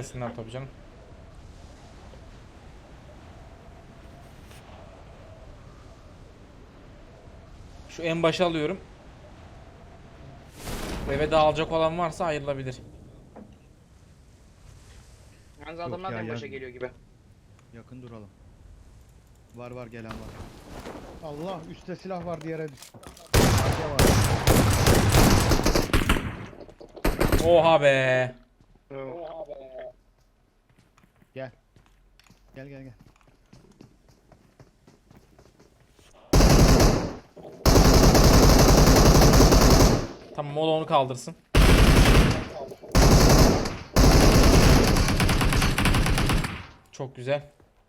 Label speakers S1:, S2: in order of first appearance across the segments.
S1: Gelmesinler tabii canım. Şu en başa alıyorum. Eve dağılacak olan varsa ayrılabilir.
S2: Yalnız
S3: Yok
S2: adamlar
S3: ya,
S2: da en başa
S3: yaz-
S2: geliyor gibi.
S3: Yakın duralım. Var gelen var. Allah, üstte silah var, diğere düştü. Arka var.
S1: Oha be.
S3: Gel. Gel.
S1: Tamam, o da onu kaldırsın. Çok güzel.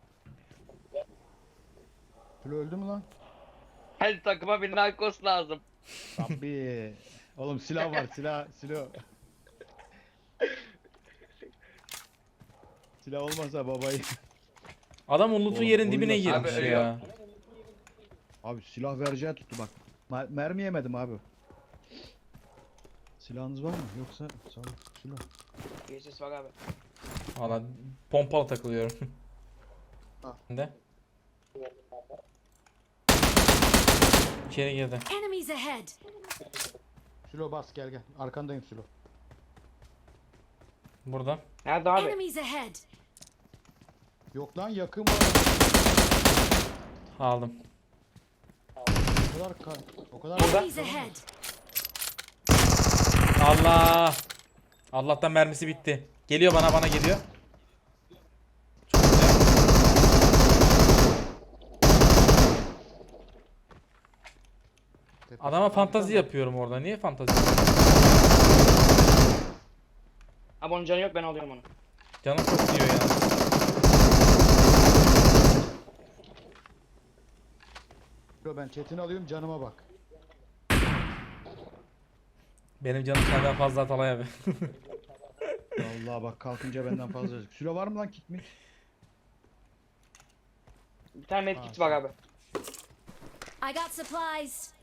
S3: Flo öldü mü lan?
S2: Hadi takıma bir narkos lazım.
S3: Rabbi. Oğlum silah var, silah. Silah olmasa babayı.
S1: Adam o loot'un
S3: Oğlum,
S1: yerin dibine
S3: oyunda
S1: girmiş
S2: silah
S1: ya.
S3: Abi silah vereceği tuttu bak. Mermi yemedim abi. Silahınız var mı? Yoksa sağlık silah.
S2: Geçiş var abi.
S1: Valla pompalı takılıyorum.
S3: Ha.
S1: De. İçeri girdi.
S4: Enemies ahead!
S3: Sülo bas, gel. Arkandayım Sülo.
S1: Burada.
S2: Nerede abi?
S4: Enemies ahead!
S3: Yok lan, yakın var.
S1: Aldım.
S3: O kadar
S4: Enemies ahead!
S1: Allah. Allah'tan mermisi bitti. Geliyor bana geliyor. Çok güzel. Adama fantazi yapıyorum orada. Niye fantazi?
S2: Abi onun canı yok, ben alıyorum onu.
S1: Canım çok diyor ya.
S3: Sülo, ben chatini alıyorum, canıma bak.
S1: Benim canım senden fazla Atalay abi.
S3: Vallahi bak, kalkınca benden fazla. Sülo var mı lan, kit mi?
S2: Bir tane medkit var abi.
S4: I got supplies!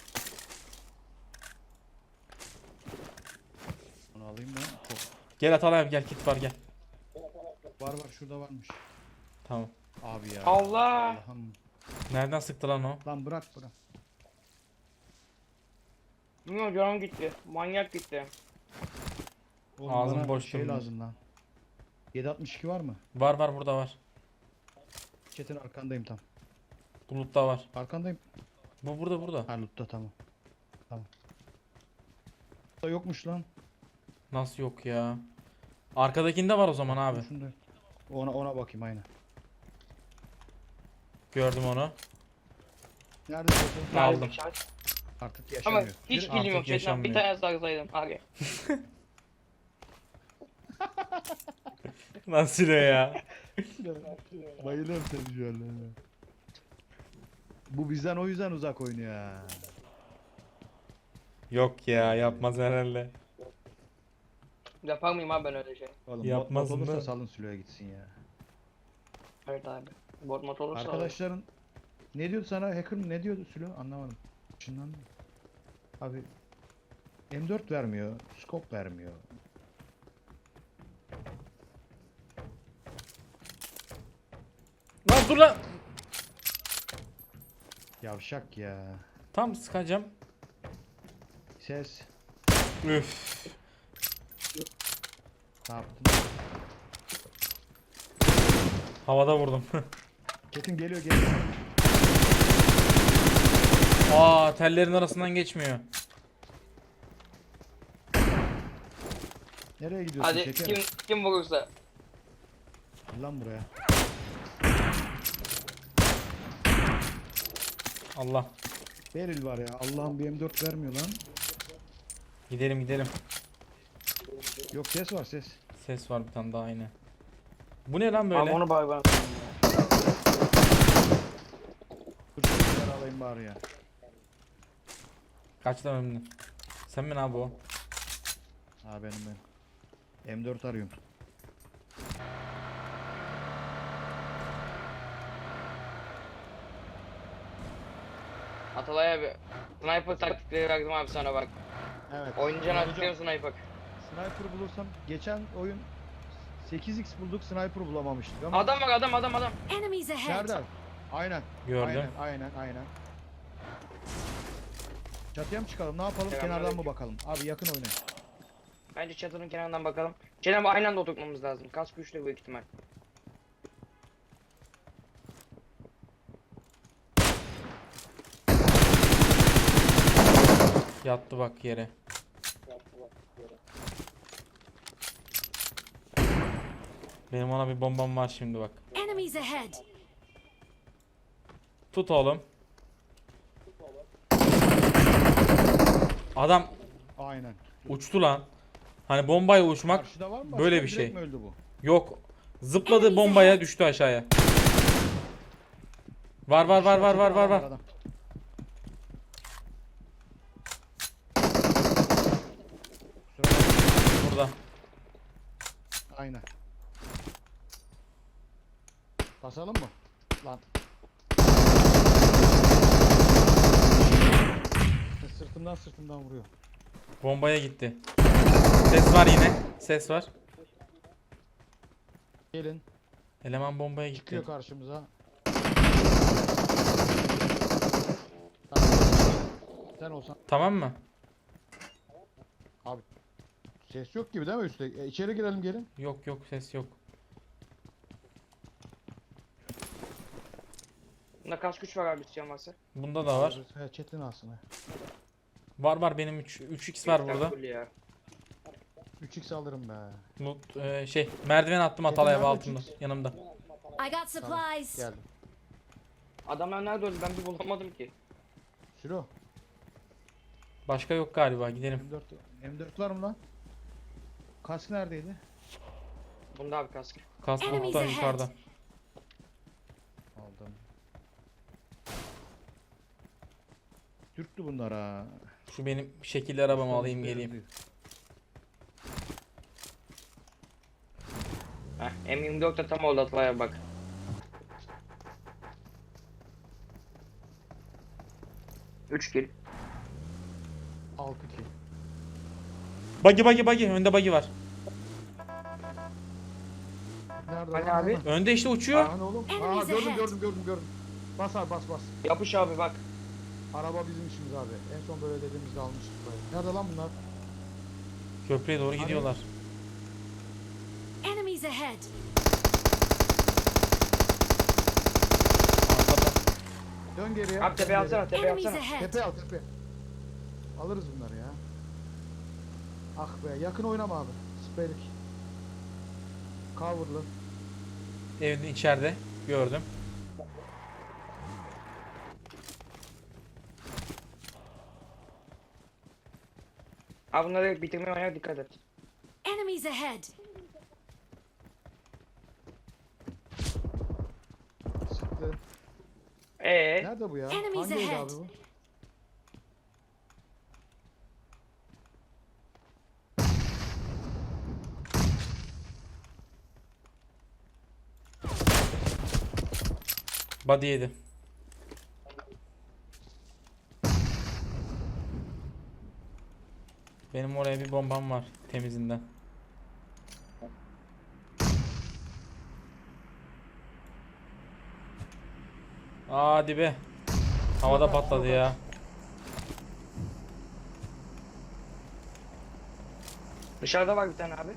S3: Onu alayım ben. Çok.
S1: Gel Atalay abi, gel, kit var, gel.
S3: Var, şurada varmış.
S1: Tamam.
S3: Abi ya.
S2: Allah!
S3: Allah'ım.
S1: Nereden sıktı lan o?
S3: Lan bırak.
S2: Bilmiyorum, canım gitti. Manyak gitti.
S3: Oğlum,
S1: Ağzım
S3: bana
S1: boş
S3: şey
S1: durmuyor.
S3: lazım lan. 762 var mı?
S1: Var burada var.
S3: Chat'in arkandayım tam.
S1: Bulutta var.
S3: Arkandayım.
S1: Bu burada.
S3: Ha, lootta, tamam. Da yokmuş lan.
S1: Nasıl yok ya? Arkadakinde var o zaman abi.
S3: Şunda. Ona bakayım, aynen.
S1: Gördüm onu.
S3: Nerede chat'in?
S2: Nerede
S1: Aldım.
S2: bir şans?
S3: Artık
S2: Ama
S3: yaşamıyor.
S2: hiç
S1: Artık
S2: bilmiyorum şeyden.
S1: yaşanmıyor.
S2: Bir tane sarsaydım abi.
S1: Nasıl ya?
S3: Bayılıyorum seni şu an. Bu bizden o yüzden uzak oynuyor ha.
S1: Yok ya, yapmaz herhalde.
S2: Yapar mıyım abi ben öyle şey?
S3: Oğlum,
S1: Yapmaz
S3: bot olursa
S1: mı?
S3: salın Sülo'ya gitsin ya.
S2: Evet abi. Bot mod olursa
S3: Arkadaşların ne diyordu sana, hacker mı ne diyordu Sülo, anlamadım. Şundan abi, M4 vermiyor, scope vermiyor.
S1: Lan dur lan.
S3: Yavşak ya.
S1: Tam sıkacağım.
S3: Ses.
S1: Üf.
S3: Ne yaptın?
S1: Havada vurdum.
S3: Ketin geliyor.
S1: Aa, tellerin arasından geçmiyor.
S3: Nereye gidiyorsun
S2: hadi
S3: şekerim?
S2: kim vurursa.
S3: Lan buraya.
S1: Allah.
S3: Beril var ya. Allah'ım, bir M4 vermiyor lan.
S1: Gidelim.
S3: Yok, ses var, ses.
S1: Ses var bir tane daha, aynı. Bu ne lan
S2: Abi
S1: böyle?
S2: onu bay bana.
S3: Dur, şunları alayım bari ya.
S1: Kaç tane önüne? Sen mi abi o?
S3: Ha, benim. M4 arıyorum.
S2: Atalay abi. Sniper taktikleri verdim abi sana bak.
S3: Evet.
S2: Oyuncağını
S3: Hocam,
S2: açıklayayım sniper.
S3: Sniper bulursam, geçen oyun 8x bulduk, sniper bulamamıştık ama.
S2: Adam var, adam.
S4: Enemies ahead!
S3: Nerede? Aynen.
S1: Gördüm.
S3: Aynen. Çatıya mı çıkalım? Ne yapalım?
S2: Selamünaleyküm.
S3: Kenardan mı bakalım? Abi yakın oynayın.
S2: Bence çatının kenarından bakalım. Cenab-ı aynı anda oturtmamız lazım. Kask güçlü büyük ihtimal.
S1: Yattı bak yere. Benim ona bir bombam var şimdi bak.
S4: Enemies ahead!
S1: Tut oğlum. Adam
S3: Aynen.
S1: uçtu lan. Hani bombaya uçmak
S3: Karşıda var mı?
S1: böyle
S3: Başka?
S1: bir şey.
S3: Direkt mi öldü bu?
S1: yok. Zıpladı bombaya düştü aşağıya. Var.
S3: Adam. Kusura bakma.
S1: Burada.
S3: Aynen. Basalım mı? Lan. Sırtımdan vuruyor.
S1: Bombaya gitti. Ses var yine. Ses var.
S3: Gelin.
S1: Eleman bombaya gitti.
S3: Çıkıyor karşımıza. Sen olsan.
S1: Tamam mı?
S3: Abi. Ses yok gibi değil mi üstte? İçeri girelim gelin.
S1: Yok ses yok.
S2: Bunda kask güç var abi isteyen varsa.
S1: Bunda da var.
S3: He, Çetin alsın. He.
S1: Var benim 3x var burada.
S2: Full ya.
S3: 3x alırım be.
S1: Merdiven attım Atalay ev
S3: nerede
S1: altında
S3: 3x?
S1: yanımda.
S4: I got supplies!
S3: Geldim.
S2: Adamlar nerede öldü? Ben bir bulamadım ki.
S3: Sülo.
S1: Başka yok galiba gidelim.
S3: M4 var mı lan? Kask neredeydi?
S2: Bunda abi kask.
S1: Kas
S4: Enemies
S1: burada
S4: ahead.
S1: yukarıda.
S3: Aldım. Türktü bunlar ha.
S1: Şu benim şekilli arabamı alayım geleyim.
S2: Heh, M24 de tam oldu Atlaya bak. Üç kill.
S3: 6 kill.
S1: Buggy önde buggy var.
S3: Nerede
S2: Hani
S3: lan?
S2: abi?
S3: Nerede?
S1: Önde işte uçuyor.
S3: Lan oğlum.
S4: Enemies
S3: Gördüm
S4: ahead.
S3: Bas abi bas.
S2: Yapış abi bak.
S3: Araba bizim işimiz abi. En son böyle dediğimizde almıştık böyle. Nerede lan bunlar?
S1: Köprüye doğru gidiyorlar.
S4: Enemies ahead!
S1: Arkada.
S3: Dön geriye.
S2: Abi tepeye
S3: dön geriye.
S2: alsana, tepeye
S4: Enemies
S2: alsana.
S4: ahead!
S3: Tepe al tepe. Alırız bunları ya. Ah be yakın oynama abi. Spreylik. Coverlı.
S1: Evin içeride gördüm.
S2: Abi bunları bitirmeye oynar dikkat et.
S4: Enemies ahead!
S3: Sıktı. Nerede bu ya?
S4: Enemies
S3: Hangi evde
S4: ahead.
S3: abi bu?
S1: Body yedi. Benim oraya bir bombam var temizinden. Hadi be. Havada patladı ya.
S2: Dışarıda var bir tane abi.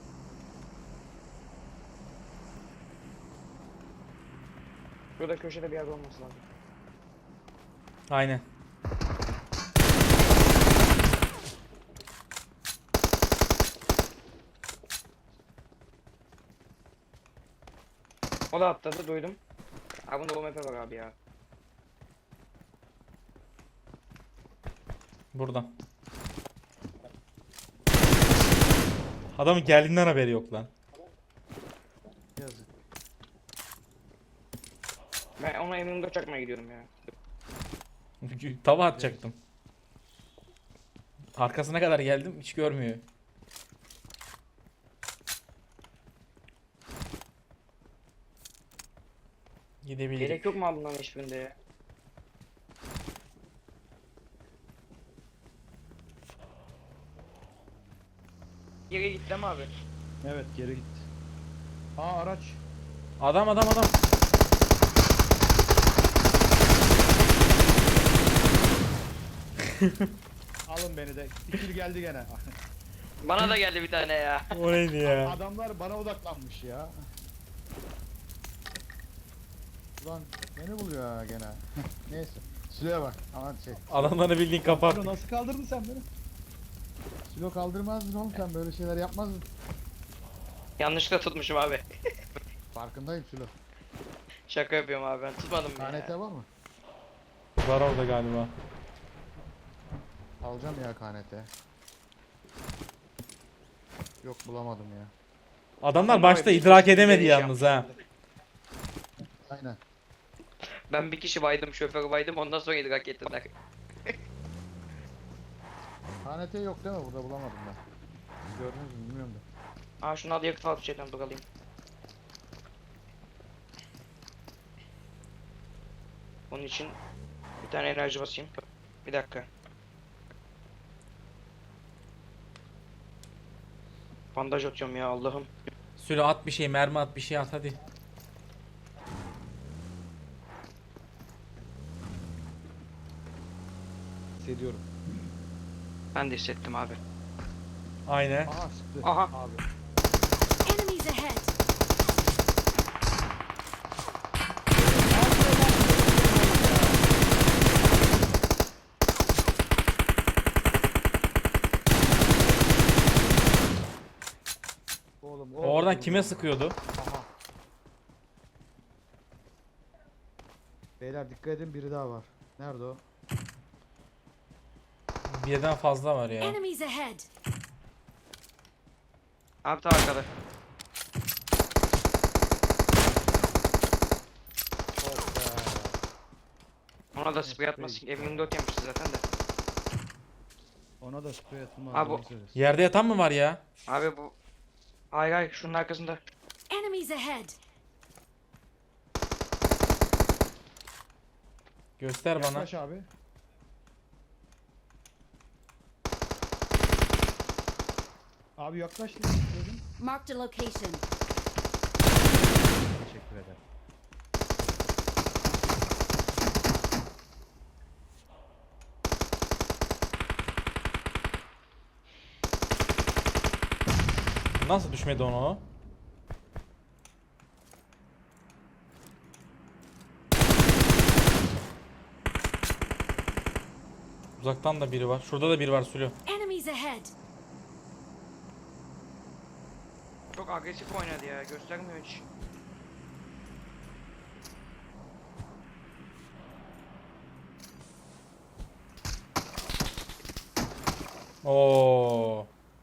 S2: Şurada köşede bir yerde olması lazım.
S1: Aynen.
S2: O da atladı duydum. Abi bunda bu map var abi ya.
S1: Buradan. Adamın geldiğinden haberi yok lan.
S3: Yazık.
S2: Ben ona M24 çakmaya gidiyorum ya.
S1: Tava atacaktım. Arkasına kadar geldim hiç görmüyor. Gidebilirim.
S2: Gerek yok mu abi bunların hiçbirinde ya? Geri git değil mi abi?
S3: Evet geri gitti. Aa araç.
S1: Adam.
S3: Alın beni de. İkili geldi gene.
S2: Bana da geldi bir tane ya.
S1: O neydi ya?
S3: Adamlar bana odaklanmış ya. Ulan beni buluyor ha gene. Neyse. Silo'ya bak. Aman şey.
S1: Adamları bildiğin kapat.
S3: Silo nasıl kaldırdın sen beni? Silo kaldırmazdın oğlum, sen böyle şeyler yapmazdın.
S2: Yanlışlıkla tutmuşum abi.
S3: Farkındayım Silo.
S2: Şaka yapıyorum abi, ben tutmadım ya.
S3: KNT var mı?
S1: Var orada galiba.
S3: Alacağım ya KNT. Yok bulamadım ya.
S1: Adamlar başta idrak edemedi yalnız ha.
S3: Aynen.
S2: Ben bir kişi baydım, şoförü baydım, ondan sonra idrak ettiler.
S3: KNT yok değil mi? Burada bulamadım ben. Siz gördünüz mü bilmiyorum da.
S2: Aa şunu al yakıt al şeyden dur alayım. Onun için bir tane enerji basayım. Bir dakika. Bandaj atıyorum ya Allah'ım.
S1: Sülo at bir şey, mermi at bir şey at hadi.
S3: Hissediyorum.
S2: Ben de hissettim abi.
S1: Aynen.
S3: Aha sıktı.
S2: Aha.
S3: Abi.
S4: Enemies ahead!
S3: Oğlum,
S1: O oradan kime sıkıyordu?
S3: Aha. Beyler dikkat edin, biri daha var. Nerede o?
S1: Birden fazla var ya.
S4: Enemies ahead!
S2: Abi tam arkada.
S3: Of be.
S2: Ona da sprey atmasın. M24 yemişti zaten de.
S3: Ona da sprey atılmaz.
S2: Abi,
S3: doğru söylüyorsun.
S1: Yerde yatan mı var ya?
S2: Abi bu... Hayır hayır şunun arkasında.
S4: Enemies ahead!
S1: Göster bana.
S3: Yaklaş abi. Abi yaklaş dedim.
S4: Marked a location.
S3: Teşekkür ederim.
S1: Nasıl düşmedi ona o? Uzaktan da biri var. Şurada da biri var Sülo.
S4: Enemies ahead!
S2: Çok agresif oynadı ya, göstermiyor hiç.
S1: Oo.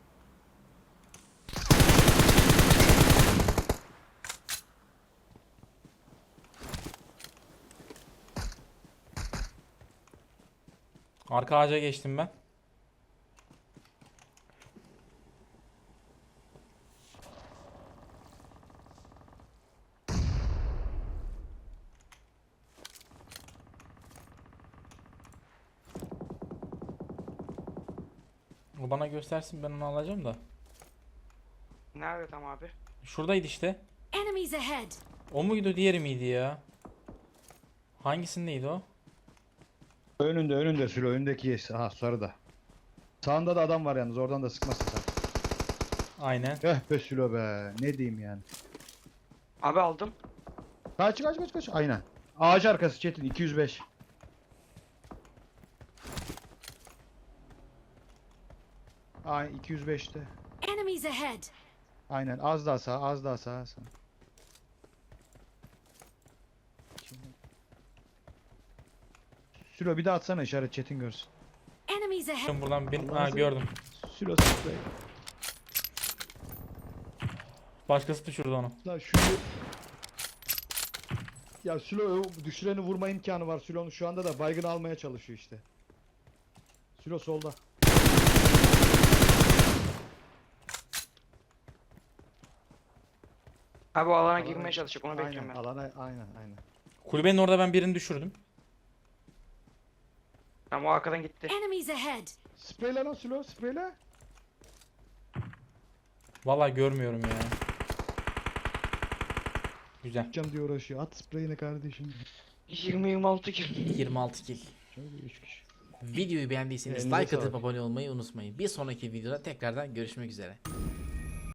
S1: Arka ağaca geçtim ben. O bana göstersin, ben onu alacağım da.
S2: Nerede tam abi?
S1: Şuradaydı işte.
S4: Enemies ahead!
S1: O muydu, diğeri miydi ya? Hangisindeydi o?
S3: Önünde Sülo, önündeki yes. Aha sarıda. Sağında da adam var yalnız, oradan da sıkmasın sen.
S1: Aynen.
S3: Be Sülo be. Ne diyeyim yani.
S2: Abi aldım.
S3: Kaç. Aynen. Ağaç arkası Çetin 205. Ay 205'te.
S4: Enemies ahead!
S3: Aynen, az daha sağ. Sülo bir daha atsana, işaret Çetin görsün.
S4: Enemies ahead!
S1: Şimdi buradan bir...
S3: Allah'ını
S1: Ha, gördüm.
S3: Sülo sıkı.
S1: Başkası düşürdü onu.
S3: Lan şunu... Ya Sülo düşüreni vurma imkanı var. Sülo'nun şu anda da baygın almaya çalışıyor işte. Sülo solda.
S2: Abi o alana girmeye çalışacak, onu
S3: Aynen,
S2: bekliyorum ben.
S3: alana aynen.
S1: Kulübenin orada ben birini düşürdüm.
S2: Ama o arkadan gitti.
S4: Enemies ahead!
S3: Spreyle lan Sülo, spreyle.
S1: Vallahi görmüyorum ya. Güzel.
S3: Atacağım diye uğraşıyor. At spreyini kardeşim.
S2: 20-26 kill.
S1: 26 kill.
S3: Şöyle 3 kişi.
S1: Videoyu beğendiyseniz
S3: Elinize
S1: like atıp
S3: sağlık.
S1: abone olmayı unutmayın. Bir sonraki videoda tekrardan görüşmek üzere.